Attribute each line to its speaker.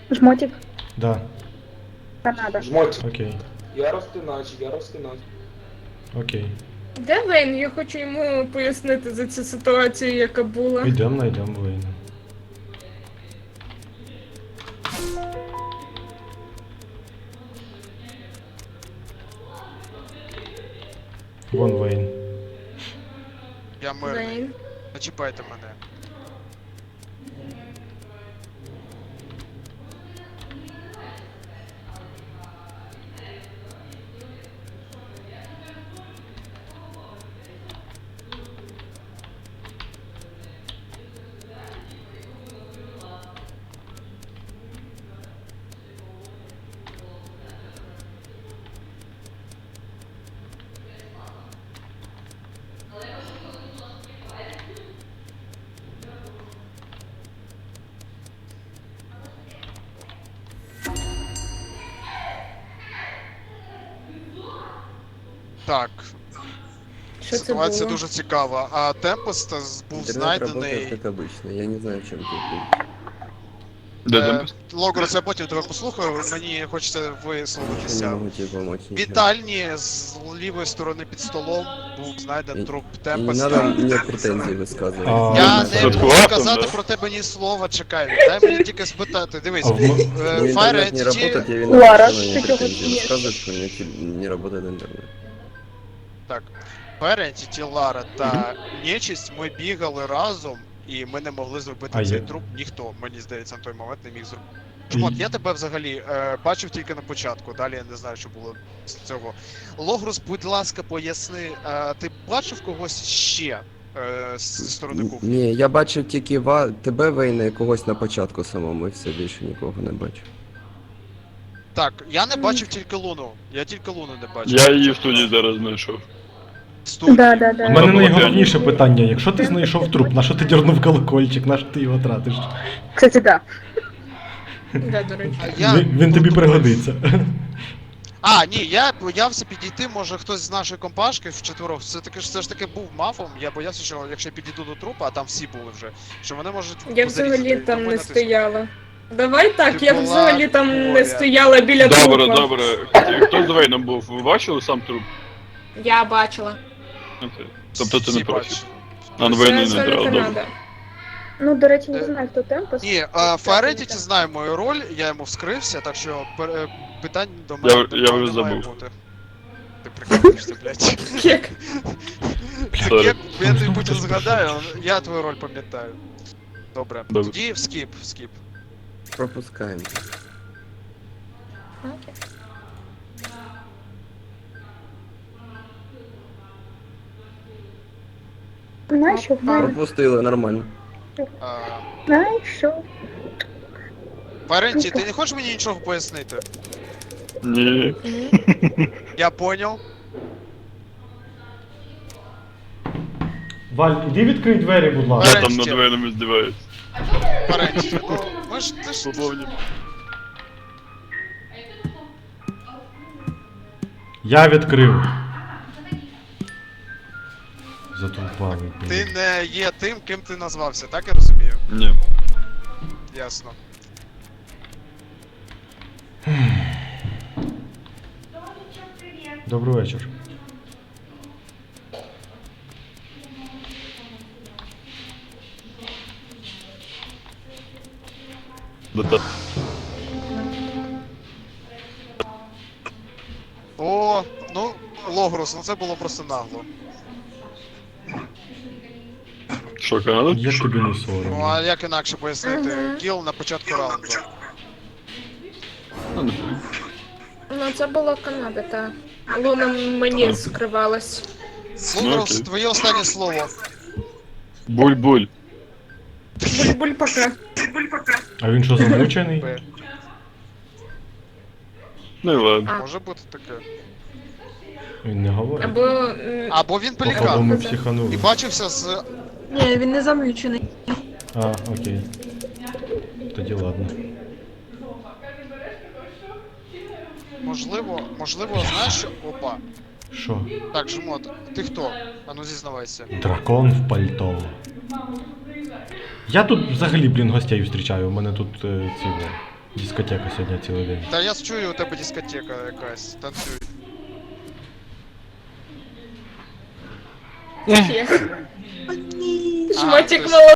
Speaker 1: Жмотик.
Speaker 2: Да.
Speaker 1: Канада.
Speaker 3: Жмоть.
Speaker 2: Окей.
Speaker 3: Я розтинач, я розтинач.
Speaker 2: Окей.
Speaker 4: Де Вейн? Я хочу йому пояснити за цю ситуацію, яка була.
Speaker 2: Йдемо, знайдемо Вейна. Вон Вейн.
Speaker 5: Я мирний.
Speaker 4: Вейн.
Speaker 5: Не чіпайте мене. Так,
Speaker 4: Що це
Speaker 5: ситуація
Speaker 4: було?
Speaker 5: дуже цікава. А Темпест був
Speaker 6: Интернет работает
Speaker 5: знайдений.
Speaker 6: как обычно, я не знаю, в чем тут.
Speaker 7: Де Темпест?
Speaker 5: Логрос, я потім тебе послухаю, мені хочеться
Speaker 6: Я не
Speaker 5: висловитися.
Speaker 6: могу тебе помочь.
Speaker 5: В
Speaker 6: ничем.
Speaker 5: вітальні з лівої сторони під столом був знайдений труп
Speaker 6: И не
Speaker 5: Темпеста.
Speaker 6: надо мне претензий высказывать.
Speaker 2: А,
Speaker 5: Я
Speaker 2: ну,
Speaker 5: не
Speaker 7: Тут
Speaker 5: буду
Speaker 7: класно,
Speaker 5: казати
Speaker 7: да?
Speaker 5: про тебе ні слова, чекай. Дай мені тільки спитати. Дивись,
Speaker 2: А в м-
Speaker 6: Мне
Speaker 5: Fire
Speaker 6: интернет не работает,
Speaker 5: Entity...
Speaker 6: я виноват,
Speaker 1: Лара,
Speaker 6: что она
Speaker 1: ты
Speaker 6: мне
Speaker 1: чего
Speaker 6: претензии
Speaker 1: смеешься?
Speaker 6: высказывает, что у меня не работает интернет.
Speaker 5: Так, Fire Entity, Лара та Нечисть, ми бігали разом, і ми не могли зробити
Speaker 2: А
Speaker 5: цей
Speaker 2: я-
Speaker 5: труп. Ніхто, мені здається, на той момент не міг зробити. Жмот, я тебе взагалі бачив тільки на початку, далі я не знаю, що було з цього. Логрус, будь ласка, поясни, ти бачив когось ще зі сторони кухні?
Speaker 6: Ні, я бачив тільки тебе, Вейна, і когось на початку самому, і все, більше нікого не бачив.
Speaker 5: Так, я не бачив тільки Луну. Я тільки Луну не бачив.
Speaker 7: Я її в студії зараз знайшов.
Speaker 5: Студії.
Speaker 1: Да, да,
Speaker 2: У
Speaker 1: да.
Speaker 2: мене
Speaker 7: було
Speaker 2: найголовніше питання. Якщо ти знайшов труп, на що ти дернув колокольчик, на що ти його тратиш?
Speaker 1: Кстати, да.
Speaker 4: Да, до речі.
Speaker 2: Він тобі пригодиться.
Speaker 5: А, ні, я боявся підійти, може хтось з нашої компашки вчетверох. Все ж таки був мафом. Я боявся, що якщо я підійду до трупа, а там всі були вже, що вони можуть.
Speaker 4: Я
Speaker 5: позарізати,
Speaker 4: взагалі
Speaker 5: і
Speaker 4: там
Speaker 5: тому
Speaker 4: не
Speaker 5: натиснути.
Speaker 4: стояла. Давай так,
Speaker 5: Ти
Speaker 4: я
Speaker 5: була
Speaker 4: взагалі там не
Speaker 5: поряд.
Speaker 4: стояла біля
Speaker 7: Добре,
Speaker 4: трупа.
Speaker 7: добре. Хто з Вейном був? Ви бачили сам труп?
Speaker 4: Я бачила.
Speaker 7: Окей. Тобто ти
Speaker 5: Всі
Speaker 7: не проти?
Speaker 5: бачили.
Speaker 7: А, ну
Speaker 4: Це
Speaker 7: Вейну не
Speaker 4: зона
Speaker 7: треба, добре.
Speaker 4: Канада.
Speaker 1: Ну, до речі, не знаю, хто Темпес.
Speaker 5: Ні, Фаретіті знає мою роль, я йому вскрився, так що питань до мене
Speaker 7: Я
Speaker 5: не
Speaker 7: вже
Speaker 5: має
Speaker 7: забув.
Speaker 5: бути. Ти прикалуєшся, блядь.
Speaker 4: Кек.
Speaker 7: Сорі.
Speaker 5: Я тобі потім згадаю, я твою роль пам'ятаю. Добре.
Speaker 7: Добре.
Speaker 5: Тоді скіп.
Speaker 6: Пропускаємо.
Speaker 4: Окей.
Speaker 1: Знайшов,
Speaker 6: Пропустили, нормально.
Speaker 1: знайшов.
Speaker 5: Фаренті, ти не хочеш мені нічого пояснити?
Speaker 7: Ні.
Speaker 5: Я поняв.
Speaker 2: Валь, іди відкрий двері, будь ласка.
Speaker 7: Я там над Вейном здіваюсь.
Speaker 5: Фаренті, ну ми ж ти ж.
Speaker 7: Свободні.
Speaker 2: Я відкрив. Затовпали.
Speaker 5: Ти не є тим, ким ти назвався, так я розумію?
Speaker 7: Ні.
Speaker 5: Ясно.
Speaker 2: Добрий вечір.
Speaker 7: Да-да.
Speaker 5: О, ну, Логрус, ну це було просто нагло.
Speaker 7: Що, Канада?
Speaker 2: Як тобі не
Speaker 5: Ну
Speaker 2: соромно?
Speaker 5: а як інакше пояснити?
Speaker 4: Мгм.
Speaker 5: Кіл на початку раунду.
Speaker 7: Ну, не
Speaker 4: Ну, це була Канада, та. Луна мені скривалась.
Speaker 5: Логрус,
Speaker 7: окей.
Speaker 5: твоє останнє слово.
Speaker 7: Буль-буль.
Speaker 4: Буль-буль пока.
Speaker 2: А він що, замучений?
Speaker 5: Б.
Speaker 7: Ну і ладно.
Speaker 4: А.
Speaker 5: Може бути таке.
Speaker 2: Він не говорить.
Speaker 4: Або...
Speaker 5: Або він
Speaker 2: Походу
Speaker 5: пелікан.
Speaker 2: ми
Speaker 4: Да.
Speaker 2: психанули.
Speaker 5: І бачився з.
Speaker 8: Ні, він не замучений.
Speaker 2: А, окей. Тоді ладно.
Speaker 5: Можливо, знаєш, що. Опа.
Speaker 2: Що?
Speaker 5: Так, Жмот, ти хто? Ану зізнавайся.
Speaker 2: Дракон в пальто. Я тут взагалі, блін, гостей зустрічаю. У мене тут ці Дискотека сьогодні цілий день.
Speaker 5: Та я чую, у тебе дискотека якась, танцюй.
Speaker 4: Є.
Speaker 8: О, ні.
Speaker 5: А,
Speaker 4: Жмотик
Speaker 5: то есть-
Speaker 4: молодий.